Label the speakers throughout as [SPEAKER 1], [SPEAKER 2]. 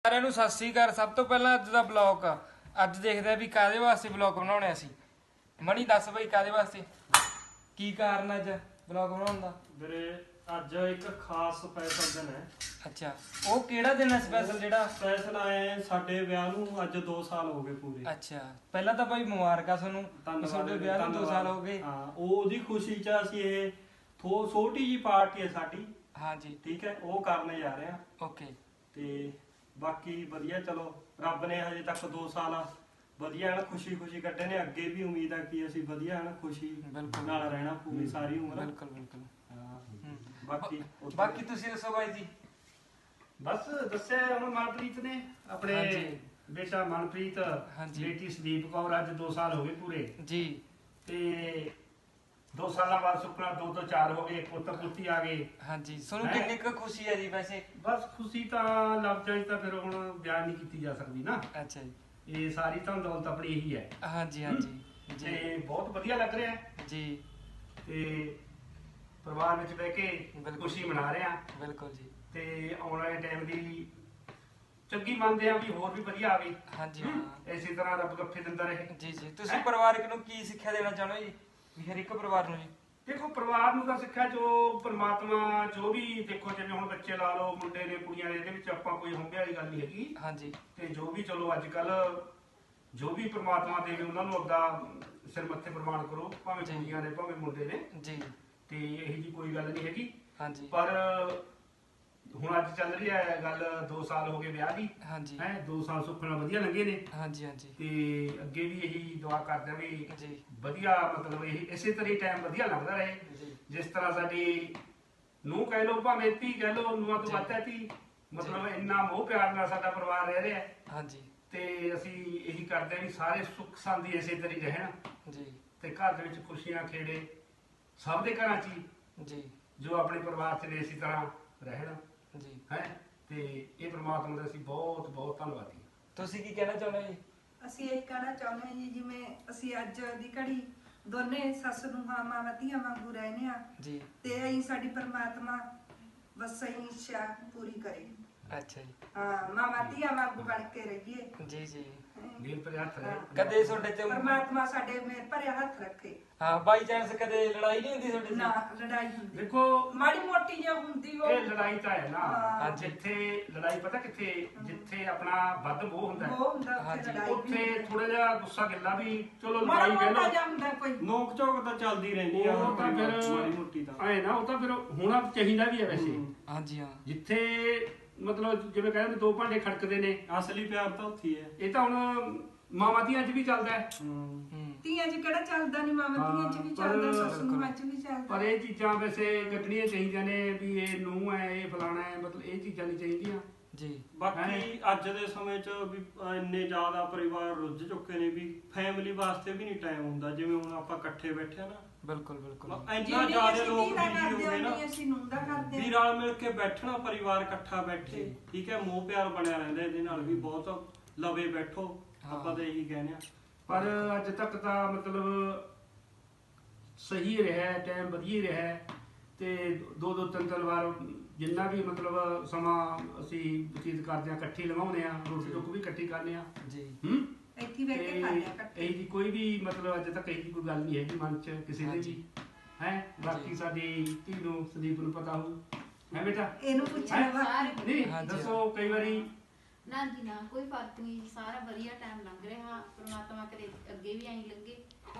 [SPEAKER 1] ਸਾਰਿਆਂ ਨੂੰ ਸਤਿ ਸ੍ਰੀ ਅਕਾਲ। ਸਭ ਤੋਂ ਪਹਿਲਾਂ ਅੱਜ ਦਾ ਬਲੌਗ ਅੱਜ ਦੇਖਦੇ ਆ ਵੀ ਕਾਹਦੇ ਵਾਸਤੇ ਬਲੌਗ ਬਣਾਉਣੇ ਅਸੀਂ। ਮਣੀ ਦੱਸ ਬਈ ਕਾਹਦੇ ਵਾਸਤੇ, ਕੀ ਕਾਰਨ ਅੱਜ ਬਲੌਗ ਬਣਾਉਣ ਦਾ?
[SPEAKER 2] ਵੀਰੇ ਅੱਜ ਇੱਕ ਖਾਸ ਸਪੈਸ਼ਲ ਦਿਨ ਹੈ।
[SPEAKER 1] ਅੱਛਾ, ਉਹ ਕਿਹੜਾ ਦਿਨ ਹੈ ਸਪੈਸ਼ਲ? ਜਿਹੜਾ
[SPEAKER 2] ਸਪੈਸ਼ਲ ਆਏ ਸਾਡੇ ਵਿਆਹ ਨੂੰ ਅੱਜ 2 ਸਾਲ ਹੋ ਗਏ ਪੂਰੇ।
[SPEAKER 1] ਅੱਛਾ, ਪਹਿਲਾਂ ਤਾਂ ਭਾਈ ਮੁਬਾਰਕਾਂ ਤੁਹਾਨੂੰ, ਤੁਹਾਡੇ ਵਿਆਹ ਨੂੰ 2 ਸਾਲ ਹੋ ਗਏ।
[SPEAKER 2] ਹਾਂ, ਉਹਦੀ ਖੁਸ਼ੀ 'ਚ ਅਸੀਂ ਇਹ ਛੋਟੀ ਜੀ ਪਾਰਟੀ ਹੈ ਸਾਡੀ।
[SPEAKER 1] ਹਾਂਜੀ
[SPEAKER 2] ਠੀਕ ਹੈ, ਉਹ ਕਰਨ ਜਾ ਰਹੇ ਹਾਂ।
[SPEAKER 1] ਓਕੇ।
[SPEAKER 2] ਤੇ ਬਾਕੀ ਵਧੀਆ, ਚਲੋ ਰੱਬ ਨੇ ਹਜੇ ਤੱਕ 2 ਸਾਲ ਵਧੀਆ ਹਨ ਖੁਸ਼ੀ ਕੱਢੇ ਨੇ। ਅੱਗੇ ਵੀ ਉਮੀਦ ਹੈ ਕਿ ਅਸੀਂ ਵਧੀਆ ਹਨ ਖੁਸ਼ੀ ਨਾਲ ਰਹਿਣਾ ਪੂਰੀ ਸਾਰੀ ਉਮਰ।
[SPEAKER 1] ਬਿਲਕੁਲ ਬਿਲਕੁਲ।
[SPEAKER 2] ਬਾਕੀ
[SPEAKER 1] ਤੁਸੀਂ ਦੱਸੋ ਬਾਈ ਜੀ।
[SPEAKER 3] ਬਸ ਦੱਸਿਆ ਹੁਣ ਮਨਪ੍ਰੀਤ ਨੇ ਆਪਣੇ ਬੇਟਾ ਮਨਪ੍ਰੀਤ, ਬੇਟੀ ਸੰਦੀਪ ਕੌਰ, ਅੱਜ 2 ਸਾਲ ਹੋ ਗਏ ਪੂਰੇ
[SPEAKER 1] ਜੀ।
[SPEAKER 3] ਤੇ 2 ਸਾਲਾਂ ਬਾਅਦ ਸੁਪਨਾ 2 ਤੋਂ 4 ਹੋ ਗਏ, ਪੁੱਤ ਪੁੱਤੀ ਆ ਗਏ।
[SPEAKER 1] ਹਾਂਜੀ, ਤੁਹਾਨੂੰ ਕਿੰਨੀ ਕੁ ਖੁਸ਼ੀ ਹੈ ਜੀ ਵੈਸੇ?
[SPEAKER 3] ਬਸ ਖੁਸ਼ੀ ਤਾਂ ਲਫ਼ਜ਼ਾਂ 'ਚ ਤਾਂ ਫਿਰ ਹੁਣ ਬਿਆਨ ਨਹੀਂ ਕੀਤੀ ਜਾ ਸਕਦੀ ਨਾ।
[SPEAKER 1] ਅੱਛਾ ਜੀ,
[SPEAKER 3] ਇਹ ਸਾਰੀ ਤਾਂ ਦੌਲਤ ਆਪਣੀ ਇਹੀ ਹੈ।
[SPEAKER 1] ਹਾਂਜੀ ਹਾਂਜੀ
[SPEAKER 3] ਤੇ ਬਹੁਤ ਵਧੀਆ ਲੱਗ ਰਿਹਾ
[SPEAKER 1] ਜੀ।
[SPEAKER 3] ਤੇ ਪਰਿਵਾਰ ਵਿੱਚ ਬਹਿ ਕੇ ਖੁਸ਼ੀ ਮਨਾ ਰਹੇ ਆ।
[SPEAKER 1] ਬਿਲਕੁਲ ਜੀ।
[SPEAKER 3] ਤੇ ਆਉਣ ਵਾਲੇ ਟਾਈਮ ਦੀ ਚੰਗੀ ਮੰਨਦੇ ਆ ਵੀ ਹੋਰ ਵੀ ਵਧੀਆ ਆਵੇ।
[SPEAKER 1] ਹਾਂਜੀ ਹਾਂ,
[SPEAKER 3] ਇਸੇ ਤਰ੍ਹਾਂ ਰੱਬ ਗੱਫੇ ਦਿੰਦਾ ਰਹੇ।
[SPEAKER 1] ਜੀ ਜੀ। ਤੁਸੀਂ ਪਰਿਵਾਰਕ ਨੂੰ ਕੀ ਸਿੱਖਿਆ ਦੇਣਾ ਚਾਹੁੰਦੇ ਹੋ ਜੀ, ਵੀ ਹਰ ਇੱਕ ਪਰਿਵਾਰ ਨੂੰ ਜੀ?
[SPEAKER 3] ਦੇਖੋ, ਪਰਿਵਾਰ ਨੂੰ ਤਾਂ ਸਿੱਖਿਆ ਜੋ ਪਰਮਾਤਮਾ ਜੋ ਵੀ, ਦੇਖੋ ਜਿਵੇਂ ਹੁਣ ਬੱਚੇ ਲਾ ਲਓ, ਮੁੰਡੇ ਨੇ ਕੁੜੀਆਂ ਨੇ, ਇਹਦੇ ਵਿੱਚ ਆਪਾਂ ਕੋਈ ਹੁੰਬੇ ਵਾਲੀ ਗੱਲ ਨਹੀਂ ਹੈਗੀ।
[SPEAKER 1] ਹਾਂਜੀ।
[SPEAKER 3] ਤੇ ਜੋ ਵੀ ਚਲੋ ਅੱਜ ਕੱਲ ਜੋ ਵੀ ਪਰਮਾਤਮਾ ਦੇਵੇ ਉਹਨਾਂ ਨੂੰ ਆਪਦਾ ਸਿਰ ਮੱਥੇ ਪ੍ਰਮਾਣ ਕਰੋ, ਭਾਵੇਂ ਕੁੜੀਆਂ ਨੇ ਭਾਵੇਂ ਮੁੰਡੇ ਨੇ
[SPEAKER 1] ਜੀ।
[SPEAKER 3] ਤੇ ਇਹੀ ਜੀ ਕੋਈ ਗੱਲ ਨਹੀਂ ਹੈਗੀ।
[SPEAKER 1] ਹਾਂਜੀ।
[SPEAKER 3] ਪਰ ਹੁਣ ਅੱਜ ਚੱਲ ਰਹੀ ਹੈ ਗੱਲ 2 ਸਾਲ ਹੋ ਗਏ ਵਿਆਹ ਦੀ।
[SPEAKER 1] ਹਾਂਜੀ।
[SPEAKER 3] 2 ਸਾਲ ਸੁੱਖਣਾ ਵਧੀਆ ਲੰਘੇ ਨੇ।
[SPEAKER 1] ਹਾਂਜੀ ਹਾਂਜੀ।
[SPEAKER 3] ਤੇ ਅੱਗੇ ਵੀ ਇਹੀ ਦੁਆ ਕਰਦੇ ਆ ਵੀ
[SPEAKER 1] ਜੀ।
[SPEAKER 3] ਵਧੀਆ, ਮਤਲਬ ਇਹ ਇਸੇ ਤਰ੍ਹਾਂ ਹੀ ਟਾਈਮ ਵਧੀਆ ਲੰਘਦਾ ਰਹੇ।
[SPEAKER 1] ਜੀ।
[SPEAKER 3] ਜਿਸ ਤਰ੍ਹਾਂ ਸਾਡੀ ਨੂੰਹ ਕਹਿ ਲਓ ਭਾਵੇਂ ਧੀ ਕਹਿ ਲਓ, ਨੂੰਹਾਂ ਤੋਂ ਵੱਧ ਹੈ ਧੀ, ਮਤਲਬ ਇੰਨਾ ਮੋਹ ਪਿਆਰ ਨਾਲ ਸਾਡਾ ਪਰਿਵਾਰ ਰਹਿ ਰਿਹਾ।
[SPEAKER 1] ਹਾਂਜੀ।
[SPEAKER 3] ਤੇ ਅਸੀਂ ਇਹੀ ਕਰਦੇ ਆ ਵੀ ਸਾਰੇ ਸੁੱਖ ਸ਼ਾਂਤੀ ਇਸੇ ਤਰ੍ਹਾਂ ਹੀ ਰਹਿਣ
[SPEAKER 1] ਜੀ।
[SPEAKER 3] ਤੇ ਘਰ ਦੇ ਵਿੱਚ ਖੁਸ਼ੀਆਂ ਖੇੜੇ ਸਭ ਦੇ ਘਰਾਂ 'ਚ ਹੀ
[SPEAKER 1] ਜੀ।
[SPEAKER 3] ਜੋ ਆਪਣੇ ਪਰਿਵਾਰ 'ਚ ਨੇ ਇਸੇ ਤਰ੍ਹਾਂ ਰਹਿਣ
[SPEAKER 1] ਜੀ।
[SPEAKER 3] ਹੈ। ਤੇ ਇਹ ਪ੍ਰਮਾਤਮਾ ਦਾ ਅਸੀਂ ਬਹੁਤ ਬਹੁਤ ਧੰਨਵਾਦੀ ਹਾਂ।
[SPEAKER 1] ਤੁਸੀਂ ਕੀ ਕਹਿਣਾ ਚਾਹੁੰਦੇ ਹੋ ਜੀ?
[SPEAKER 4] ਅਸੀਂ ਇਹ ਕਹਿਣਾ ਚਾਹੁੰਦੇ ਹਾਂ ਜੀ, ਜਿਵੇਂ ਅਸੀਂ ਅੱਜ ਦੀ ਘੜੀ ਦੋਨੇ ਸੱਸ ਨੂੰ ਮਾਵਾਂ ਧੀਆਂ ਵਾਂਗੂ ਰਹਿੰਦੇ ਆ
[SPEAKER 1] ਜੀ।
[SPEAKER 4] ਤੇ ਅਸੀਂ ਸਾਡੀ ਪਰਮਾਤਮਾ ਬਸ ਅਸੀਂ ਇੱਛਾ ਪੂਰੀ ਕਰੇ।
[SPEAKER 1] ਅੱਛਾ ਜੀ।
[SPEAKER 4] ਹਾਂ, ਮਾਵਾਂ ਧੀਆਂ ਵਾਂਗੂ ਬਣ ਕੇ ਰਹੀਏ।
[SPEAKER 1] ਜੀ ਜੀ।
[SPEAKER 3] ਨੀਲ ਪਰ ਹੱਥ ਰਹੇ।
[SPEAKER 1] ਕਦੇ ਤੁਹਾਡੇ ਤੇ
[SPEAKER 4] ਪਰਮਾਤਮਾ ਸਾਡੇ ਮੇਰ ਭਰਿਆ ਹੱਥ ਰੱਖੇ।
[SPEAKER 1] ਹਾਂ, ਬਾਈ ਚਾਂਸ ਕਦੇ ਲੜਾਈ ਨਹੀਂ ਹੁੰਦੀ ਤੁਹਾਡੇ
[SPEAKER 4] ਨਾ
[SPEAKER 1] ਨਾਲ?
[SPEAKER 4] ਲੜਾਈ ਹੁੰਦੀ,
[SPEAKER 3] ਦੇਖੋ
[SPEAKER 4] ਮਾੜੀ ਮੋਟੀ ਜੇ ਹੁੰਦੀ ਉਹ
[SPEAKER 3] ਇਹ ਲੜਾਈ ਤਾਂ ਹੈ ਨਾ।
[SPEAKER 4] ਹਾਂ।
[SPEAKER 3] ਜਿੱਥੇ ਲੜਾਈ ਪਤਾ ਕਿੱਥੇ, ਜਿੱਥੇ ਆਪਣਾ ਵੱਧ ਮੋਹ ਹੁੰਦਾ ਹੈ,
[SPEAKER 4] ਉਹ ਹੁੰਦਾ ਉੱਥੇ
[SPEAKER 1] ਹਾਂਜੀ।
[SPEAKER 4] ਲੜਾਈ
[SPEAKER 3] ਉੱਥੇ ਥੋੜਾ ਜਿਹਾ ਗੁੱਸਾ ਗਿੱਲਾ ਵੀ ਚਲੋ
[SPEAKER 4] ਮਾੜਾ
[SPEAKER 3] ਲੜਾਈ ਕਹਿ
[SPEAKER 4] ਮੋਟਾ
[SPEAKER 3] ਲਓ,
[SPEAKER 4] ਜਿਹਾ ਹੁੰਦਾ ਕੋਈ।
[SPEAKER 2] ਨੋਕ ਝੋਕ ਤਾਂ ਚੱਲਦੀ ਰਹਿੰਦੀ ਆ
[SPEAKER 3] ਉਹ ਤਾਂ ਫਿਰ
[SPEAKER 2] ਮਾੜੀ ਮੋਟੀ ਤਾਂ
[SPEAKER 3] ਐ ਨਾ, ਉਹ ਤਾਂ ਫਿਰ ਹੋਣਾ ਚਾਹੀਦਾ ਵੀ ਹੈ ਵੈਸੇ।
[SPEAKER 1] ਹਾਂਜੀ ਹਾਂ।
[SPEAKER 3] ਜਿੱਥੇ ਮਤਲਬ ਜਿਵੇਂ ਕਹਿੰਦੇ 2 ਭਾਂਡੇ ਖੜਕਦੇ ਨੇ,
[SPEAKER 2] ਅਸਲੀ ਪਿਆਰ ਤਾਂ ਉੱਥੇ ਹੀ ਹੈ।
[SPEAKER 3] ਇਹ ਤਾਂ ਹੁਣ ਮਾਵਾਂ ਧੀਆਂ 'ਚ ਵੀ ਚੱਲਦਾ ਹੈ।
[SPEAKER 4] ਧੀਆਂ 'ਚ ਕਿਹੜਾ ਚੱਲਦਾ ਨਹੀਂ, ਮਾਵਾਂ ਧੀਆਂ 'ਚ ਵੀ ਚੱਲਦਾ, ਸੱਸ ਨੂੰਹਾਂ 'ਚ ਵੀ ਚੱਲਦਾ।
[SPEAKER 3] ਪਰ ਇਹ ਚੀਜ਼ਾਂ ਵੈਸੇ ਕੱਢਣੀਆਂ ਚਾਹੀਦੀਆਂ ਨੇ ਵੀ ਇਹ ਨੂੰਹ ਹੈ, ਇਹ ਫਲਾਣਾ ਹੈ, ਮਤਲਬ ਇਹ ਚੀਜ਼ਾਂ ਨਹੀਂ ਚਾਹੀਦੀਆਂ
[SPEAKER 1] ਜੀ।
[SPEAKER 2] ਬਾਕੀ ਅੱਜ ਦੇ ਸਮੇਂ 'ਚ ਵੀ ਇੰਨੇ ਜ਼ਿਆਦਾ ਪਰਿਵਾਰ ਰੁੱਝ ਚੁੱਕੇ ਨੇ ਵੀ ਫੈਮਿਲੀ ਵਾਸਤੇ ਵੀ ਨਹੀਂ ਟਾਈਮ ਹੁੰਦਾ। ਜਿਵੇਂ ਹੁਣ ਆਪਾਂ ਇਕੱਠੇ ਬੈਠੇ ਆ ਨਾ,
[SPEAKER 1] ਬਿਲਕੁਲ ਬਿਲਕੁਲ।
[SPEAKER 2] ਇੰਨਾ ਜ਼ਿਆਦਾ ਲੋਕ ਬਿਜੀ ਹੋ ਗਏ ਨਾ
[SPEAKER 4] ਅਸੀਂ ਨੂੰ ਦਾ ਕਰਦੇ
[SPEAKER 2] ਵੀ ਰਲ ਮਿਲ ਕੇ ਬੈਠਣਾ, ਪਰਿਵਾਰ ਇਕੱਠਾ ਬੈਠੇ, ਠੀਕ ਹੈ, ਮੋਹ ਪਿਆਰ ਬਣਿਆ ਰਹਿੰਦਾ। ਇਹਦੇ ਨਾਲ ਵੀ ਬਹੁਤ ਲਵੇ ਬੈਠੋ, ਆਪਾਂ ਤਾਂ ਇਹੀ ਕਹਿੰਦੇ ਆ।
[SPEAKER 3] ਪਰ ਅੱਜ ਤੱਕ ਤਾਂ ਮਤਲਬ ਸਹੀ ਰਿਹਾ, ਟਾਈਮ ਵਧੀਆ ਰਿਹਾ। ਤੇ 2-2 3-3 ਵਾਰ ਜਿੰਨਾ ਵੀ ਮਤਲਬ ਸਮਾਂ ਅਸੀਂ ਬਤੀਤ ਕਰਦੇ ਆ, ਇਕੱਠੀ ਲਗਾਉਂਦੇ ਆ, ਰੋਟੀ ਟੁੱਕ ਵੀ ਇਕੱਠੀ ਕਰਦੇ ਆ
[SPEAKER 1] ਜੀ।
[SPEAKER 4] ਇੱਥੇ ਬੈਠ ਕੇ ਖਾਂਦੇ ਆ ਇਕੱਠੇ।
[SPEAKER 3] ਇਹ ਜੀ ਕੋਈ ਵੀ ਮਤਲਬ ਅੱਜ ਤੱਕ ਇਹ ਕੋਈ ਗੱਲ ਨਹੀਂ ਹੈਗੀ ਮਨ 'ਚ ਕਿਸੇ ਦੇ ਵੀ ਹੈ। ਬਾਕੀ ਸਾਡੀ ਧੀ ਨੂੰ ਸੰਦੀਪ ਨੂੰ ਪਤਾ ਹੋਊ ਹੈ ਬੇਟਾ,
[SPEAKER 4] ਇਹਨੂੰ ਪੁੱਛਣਾ ਵਾ
[SPEAKER 3] ਨਹੀਂ ਦੱਸੋ ਕਈ ਵਾਰੀ।
[SPEAKER 5] ਨਾ ਜੀ ਨਾ, ਕੋਈ ਫਰਕ ਨਹੀਂ, ਸਾਰਾ ਵਧੀਆ ਟਾਈਮ ਲੰਘ ਰਿਹਾ। ਪ੍ਰਮਾਤਮਾ ਕਰੇ ਅੱਗੇ ਵੀ ਐਂ ਲੱਗੇ।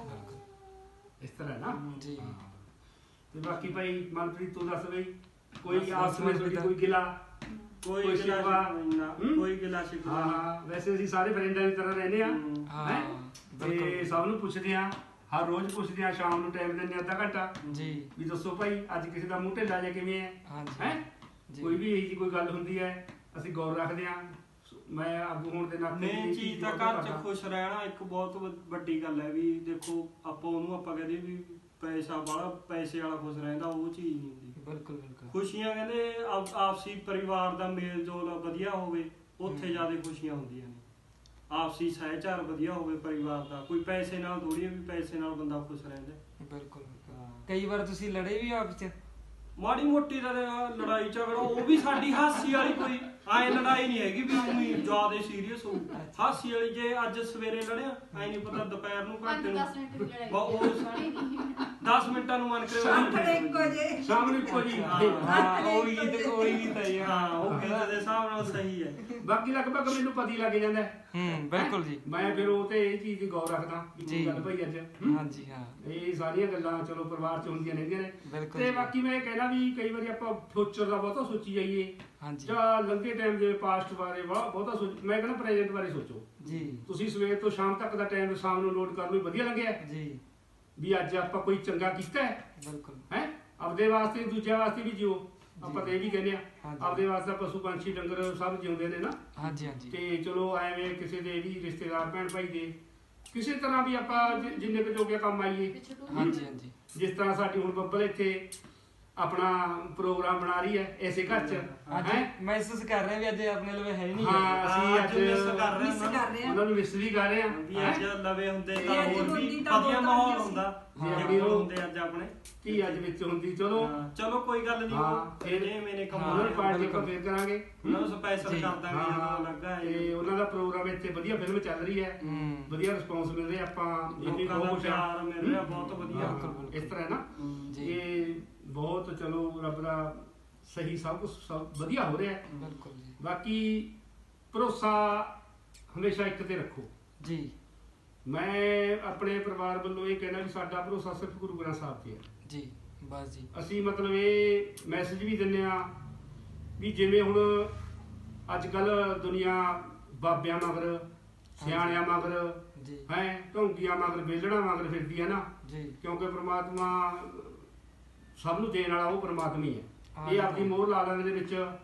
[SPEAKER 3] ਇਸ ਤਰ੍ਹਾਂ ਨਾ
[SPEAKER 1] ਜੀ।
[SPEAKER 3] ਤੇ ਬਾਕੀ ਭਾਈ ਮਨਪ੍ਰੀਤ ਤੂੰ ਦੱਸ ਬਈ, ਕੋਈ ਆਪਸ ਵਿੱਚ ਤੁਹਾਡੀ ਕੋਈ ਗਿਲਾ?
[SPEAKER 2] ਕੋਈ
[SPEAKER 3] ਕੋਈ
[SPEAKER 2] ਗਿਲਾ
[SPEAKER 3] ਸ਼ਿਕਵਾ?
[SPEAKER 2] ਨਾ, ਕੋਈ ਗਿਲਾ ਸ਼ਿਕਵਾ
[SPEAKER 3] ਹਾਂ ਹਾਂ, ਵੈਸੇ ਅਸੀਂ ਸਾਰੇ ਫਰੈਂਡਾਂ ਦੀ ਤਰ੍ਹਾਂ ਰਹਿੰਦੇ ਆ
[SPEAKER 1] ਹਾਂ,
[SPEAKER 3] ਹੈਂ? ਤੇ
[SPEAKER 1] ਬਿਲਕੁਲ।
[SPEAKER 3] ਸਭ ਨੂੰ ਪੁੱਛਦੇ ਆ, ਹਰ ਰੋਜ਼ ਪੁੱਛਦੇ ਆ, ਸ਼ਾਮ ਨੂੰ ਟਾਈਮ ਦਿੰਦੇ ਆ ਅੱਧਾ ਘੰਟਾ
[SPEAKER 1] ਜੀ।
[SPEAKER 3] ਵੀ ਦੱਸੋ ਭਾਈ ਅੱਜ ਕਿਸੇ ਦਾ ਮੂੰਹ ਢਿੱਲਾ ਜਾਂ ਕਿਵੇਂ ਹੈ
[SPEAKER 1] ਹਾਂਜੀ।
[SPEAKER 3] ਹੈ।
[SPEAKER 1] ਜੀ।
[SPEAKER 3] ਕੋਈ ਵੀ ਇਹੀ ਜਿਹੀ ਕੋਈ ਗੱਲ ਹੁੰਦੀ ਹੈ ਅਸੀਂ ਗੌਰ ਰੱਖਦੇ ਆ। ਮੈਂ ਆਗੂ ਹੋਣ ਦੇ ਨਾਤੇ
[SPEAKER 2] ਮੇਨ ਚੀਜ਼ ਤਾਂ ਘਰ 'ਚ ਖੁਸ਼ ਰਹਿਣਾ ਇੱਕ ਬਹੁਤ ਵੱਡੀ ਗੱਲ ਹੈ। ਵੀ ਦੇਖੋ ਆਪਾਂ ਉਹਨੂੰ ਆਪਾਂ ਕਹਿੰਦੇ ਵੀ ਪੈਸਾ ਵਾਲਾ, ਪੈਸੇ ਵਾਲਾ ਖੁਸ਼ ਰਹਿੰਦਾ, ਉਹ ਚੀਜ਼ ਨਹੀਂ ਹੁੰਦੀ।
[SPEAKER 1] ਬਿਲਕੁਲ ਬਿਲਕੁਲ।
[SPEAKER 2] ਖੁਸ਼ੀਆਂ ਕਹਿੰਦੇ ਆਪਸੀ ਪਰਿਵਾਰ ਦਾ ਮੇਲ ਜੋਲ ਵਧੀਆ ਹੋਵੇ, ਉੱਥੇ ਜ਼ਿਆਦਾ ਖੁਸ਼ੀਆਂ ਹੁੰਦੀਆਂ ਨੇ। ਆਪਸੀ ਸਹਿਚਾਰ ਵਧੀਆ ਹੋਵੇ ਪਰਿਵਾਰ ਦਾ, ਕੋਈ ਪੈਸੇ ਨਾਲ ਥੋੜੀ ਵੀ ਪੈਸੇ ਨਾਲ ਬੰਦਾ ਖੁਸ਼ ਰਹਿੰਦਾ।
[SPEAKER 1] ਬਿਲਕੁਲ ਬਿਲਕੁਲ। ਕਈ ਵਾਰ ਤੁਸੀਂ ਲੜੇ ਵੀ ਆਪਸ 'ਚ?
[SPEAKER 2] ਮਾੜੀ ਮੋਟੀ ਦਾ ਲੜਾਈ ਝਗੜਾ ਉਹ ਵੀ ਸਾਡੀ ਹਾਸੀ ਵਾਲੀ ਕੋਈ ਆਏ ਲੜਾਈ ਨਹੀਂ ਹੈਗੀ ਵੀ ਉਹੀ ਜ਼ਿਆਦਾ ਸੀਰੀਅਸ ਹੋ ਹਾਸੀ ਵਾਲੀ ਜੇ ਅੱਜ ਸਵੇਰੇ ਲੜਿਆ ਐ ਨਹੀਂ ਪਤਾ ਦੁਪਹਿਰ ਨੂੰ ਘੰਟੇ
[SPEAKER 5] 5-10 ਮਿੰਟ ਦੀ ਲੜਾਈ
[SPEAKER 2] ਬਾ ਉਹ
[SPEAKER 5] ਸਾਰੀ ਨਹੀਂ
[SPEAKER 2] 10 ਮਿੰਟਾਂ ਨੂੰ ਮਨ ਕਰੇ
[SPEAKER 4] ਸਾਹਮਣੇ ਇੱਕੋ ਜੇ
[SPEAKER 3] ਸਾਹਮਣੇ ਇੱਕੋ ਜੀ
[SPEAKER 1] ਹਾਂ ਉਹੀ ਗੀਤ ਉਹੀ ਗੀਤ ਹੈ ਜੀ,
[SPEAKER 2] ਹਾਂ ਉਹ ਗੀਤ ਦੇ ਹਿਸਾਬ ਨਾਲ ਸਹੀ ਹੈ।
[SPEAKER 3] ਬਾਕੀ ਲਗਭਗ ਮੈਨੂੰ ਪਤਾ ਹੀ ਲੱਗ ਜਾਂਦਾ ਹੈ।
[SPEAKER 1] ਬਿਲਕੁਲ ਜੀ।
[SPEAKER 3] ਮੈਂ ਫਿਰ ਉਹ ਤੇ ਇਹ ਚੀਜ਼ ਦੀ ਗੌਰ ਰੱਖਦਾ ਕਿ
[SPEAKER 1] ਜੀ।
[SPEAKER 3] ਕੀ ਗੱਲ ਭਾਈ ਅੱਜ
[SPEAKER 1] ਹਾਂਜੀ ਹਾਂ
[SPEAKER 3] ਇਹ ਸਾਰੀਆਂ ਗੱਲਾਂ ਚਲੋ ਪਰਿਵਾਰ ਚ ਹੁੰਦੀਆਂ ਰਹਿੰਦੀਆਂ ਨੇ।
[SPEAKER 1] ਬਿਲਕੁਲ
[SPEAKER 3] ਤੇ
[SPEAKER 1] ਜੀ।
[SPEAKER 3] ਬਾਕੀ ਮੈਂ ਇਹ ਕਹਿਣਾ ਵੀ ਕਈ ਵਾਰੀ ਆਪਾਂ ਫਿਊਚਰ ਦਾ ਬਹੁਤਾ ਸੋਚੀ ਜਾਈਏ
[SPEAKER 1] ਹਾਂਜੀ
[SPEAKER 3] ਜਾਂ ਲੰਘੇ ਟਾਈਮ ਦੇ ਪਾਸਟ ਬਾਰੇ ਬਹੁਤਾ ਮੈਂ ਕਹਿੰਦਾ ਪ੍ਰੈਜ਼ੈਂਟ ਬਾਰੇ ਸੋਚੋ।
[SPEAKER 1] ਜੀ
[SPEAKER 3] ਤੁਸੀਂ ਸਵੇਰ ਤੋਂ ਸ਼ਾਮ ਤੱਕ ਦਾ ਟਾਈਮ ਸ਼ਾਮ ਨੂੰ ਲੋਡ ਕਰਨ ਨੂੰ ਵਧੀਆ ਲੱਗਿਆ
[SPEAKER 1] ਜੀ
[SPEAKER 3] ਵੀ ਅੱਜ ਆਪਾਂ ਕੋਈ ਚੰਗਾ ਕੀਤਾ ਹੈ
[SPEAKER 1] ਬਿਲਕੁਲ
[SPEAKER 3] ਹੈ ਆਪਦੇ ਵਾਸਤੇ ਦੂਜਿਆਂ ਵਾਸਤੇ ਵੀ ਜਿਓ ਆਪਾਂ ਤੇ ਇਹ ਵੀ ਕਹਿੰਦੇ ਆ
[SPEAKER 1] ਹਾਂਜੀ।
[SPEAKER 3] ਆਪਦੇ ਵਾਸਤੇ ਪਸ਼ੂ ਪੰਛੀ ਡੰਗਰ ਸਭ ਜਿਉਂਦੇ ਨੇ ਨਾ।
[SPEAKER 1] ਹਾਂਜੀ ਹਾਂਜੀ
[SPEAKER 3] ਤੇ ਚਲੋ ਐਵੇਂ ਕਿਸੇ ਦੇ ਵੀ ਰਿਸ਼ਤੇਦਾਰ ਭੈਣ ਭਾਈ ਦੇ ਕਿਸੇ ਤਰ੍ਹਾਂ ਵੀ ਆਪਾਂ ਜਿੰਨੇ ਕੁ ਜੋਗੇ ਕੰਮ ਆਈਏ।
[SPEAKER 5] ਪਿੱਛੇ ਤੋਂ
[SPEAKER 1] ਹਾਂਜੀ ਹਾਂਜੀ
[SPEAKER 3] ਜਿਸ ਤਰ੍ਹਾਂ ਸਾਡੀ ਹੁਣ ਬੱਬਲ ਇੱਥੇ ਆਪਣਾ ਪ੍ਰੋਗਰਾਮ ਬਣਾ ਰਹੀ ਹੈ ਐਸੇ ਘਰ ਚ
[SPEAKER 1] ਅੱਜ
[SPEAKER 3] ਹੈ।
[SPEAKER 1] ਮਹਿਸੂਸ ਕਰ ਰਹੇ ਵੀ ਅੱਜ ਆਪਣੇ ਲਵੇ ਹੈ ਨਹੀਂ
[SPEAKER 3] ਹਾਂ ਅਸੀਂ
[SPEAKER 2] ਅੱਜ ਮਿਸ
[SPEAKER 3] ਅੱਜ
[SPEAKER 2] ਕਰ ਰਹੇ
[SPEAKER 4] ਮਿਸ
[SPEAKER 2] ਹਾਂ
[SPEAKER 4] ਕਰ ਰਹੇ ਆ
[SPEAKER 3] ਉਹਨਾਂ ਨੂੰ ਮਿਸ ਵੀ ਕਰ ਰਹੇ
[SPEAKER 2] ਵੀ
[SPEAKER 3] ਹਾਂ
[SPEAKER 2] ਅੱਜ ਲਵੇ ਹੁੰਦੇ
[SPEAKER 4] ਤੇ
[SPEAKER 2] ਤਾਂ
[SPEAKER 4] ਅੱਜ
[SPEAKER 2] ਹੋਰ ਵੀ
[SPEAKER 4] ਹੁੰਦੀ ਤਾਂ
[SPEAKER 2] ਵਧੀਆ
[SPEAKER 4] ਬਹੁਤ
[SPEAKER 2] ਮਾਹੌਲ
[SPEAKER 4] ਵਧੀਆ
[SPEAKER 2] ਹੁੰਦਾ
[SPEAKER 3] ਹਾਂ।
[SPEAKER 2] ਜੇ ਕੋਲ ਹੁੰਦੇ ਅੱਜ ਆਪਣੇ
[SPEAKER 3] ਕੀ ਅੱਜ ਵਿੱਚ ਹੁੰਦੀ ਚਲੋ
[SPEAKER 2] ਹਾਂ, ਚਲੋ ਕੋਈ ਗੱਲ ਨਹੀਂ
[SPEAKER 3] ਹਾਂ,
[SPEAKER 2] ਉਹ
[SPEAKER 3] ਫਿਰ
[SPEAKER 2] ਇਹਨੇ ਮੈਨੇ
[SPEAKER 1] ਹਾਂ,
[SPEAKER 3] ਉਹਨਾਂ ਦੀ ਪਾਰਟੀ
[SPEAKER 1] ਬਿਲਕੁਲ।
[SPEAKER 3] ਆਪਾਂ ਫੇਰ ਕਰਾਂਗੇ।
[SPEAKER 2] ਉਹਨਾਂ ਨੂੰ ਸਪੈਸ਼ਲ
[SPEAKER 1] ਜੀ।
[SPEAKER 2] ਕਰ ਦਾਂਗੇ
[SPEAKER 3] ਹਾਂ
[SPEAKER 2] ਜਦੋਂ ਲੱਗਾ ਹੈ
[SPEAKER 3] ਤੇ ਉਹਨਾਂ ਦਾ ਪ੍ਰੋਗਰਾਮ ਇੱਥੇ ਵਧੀਆ ਫਿਲਮ ਚੱਲ ਰਹੀ ਹੈ ਵਧੀਆ ਰਿਸਪੌਂਸ ਮਿਲ ਰਿਹਾ ਆਪਾਂ ਇਹ ਵੀ
[SPEAKER 2] ਲੋਕਾਂ ਦਾ
[SPEAKER 3] ਬਹੁਤ ਖੁਸ਼ ਹਾਂ।
[SPEAKER 2] ਪਿਆਰ ਮਿਲ ਰਿਹਾ ਬਹੁਤ ਵਧੀਆ
[SPEAKER 3] ਹਾਂ,
[SPEAKER 1] ਬਿਲਕੁਲ।
[SPEAKER 3] ਇਸ ਤਰ੍ਹਾਂ ਹੈ ਨਾ
[SPEAKER 1] ਜੀ
[SPEAKER 3] ਇਹ ਬਹੁਤ ਚਲੋ ਰੱਬ ਦਾ ਸਹੀ ਸਭ ਕੁਝ ਸਭ ਵਧੀਆ ਹੋ ਰਿਹਾ ਹੈ।
[SPEAKER 1] ਬਿਲਕੁਲ ਜੀ
[SPEAKER 3] ਬਾਕੀ ਭਰੋਸਾ ਹਮੇਸ਼ਾ ਇੱਕ ਤੇ ਰੱਖੋ।
[SPEAKER 1] ਜੀ
[SPEAKER 3] ਮੈਂ ਆਪਣੇ ਪਰਿਵਾਰ ਵੱਲੋਂ ਇਹ ਕਹਿਣਾ ਵੀ ਸਾਡਾ ਭਰੋਸਾ ਸਿਰਫ ਗੁਰੂ ਗ੍ਰੰਥ ਸਾਹਿਬ ਤੇ ਹੈ।
[SPEAKER 1] ਜੀ ਬਸ ਜੀ
[SPEAKER 3] ਅਸੀਂ ਮਤਲਬ ਇਹ ਮੈਸੇਜ ਵੀ ਦਿੰਦੇ ਆ ਵੀ ਜਿਵੇਂ ਹੁਣ ਅੱਜ ਕੱਲ ਦੁਨੀਆ ਬਾਬਿਆਂ ਮਗਰ ਸਿਆਣਿਆਂ ਮਗਰ
[SPEAKER 1] ਜੀ
[SPEAKER 3] ਹੈ ਢੋਂਗੀਆਂ ਮਗਰ ਵੇਲਣਾ ਮਗਰ ਫਿਰਦੀ ਹੈ ਨਾ।
[SPEAKER 1] ਜੀ
[SPEAKER 3] ਕਿਉਂਕਿ ਪ੍ਰਮਾਤਮਾ ਸਭ ਨੂੰ ਦੇਣ ਵਾਲਾ ਉਹ ਪ੍ਰਮਾਤਮਾ ਹੀ ਹੈ।
[SPEAKER 1] ਹਾਂ,
[SPEAKER 3] ਇਹ ਆਪਦੀ ਮੋਹਰ ਲਾ ਲੈਣ ਦੇ ਵਿੱਚ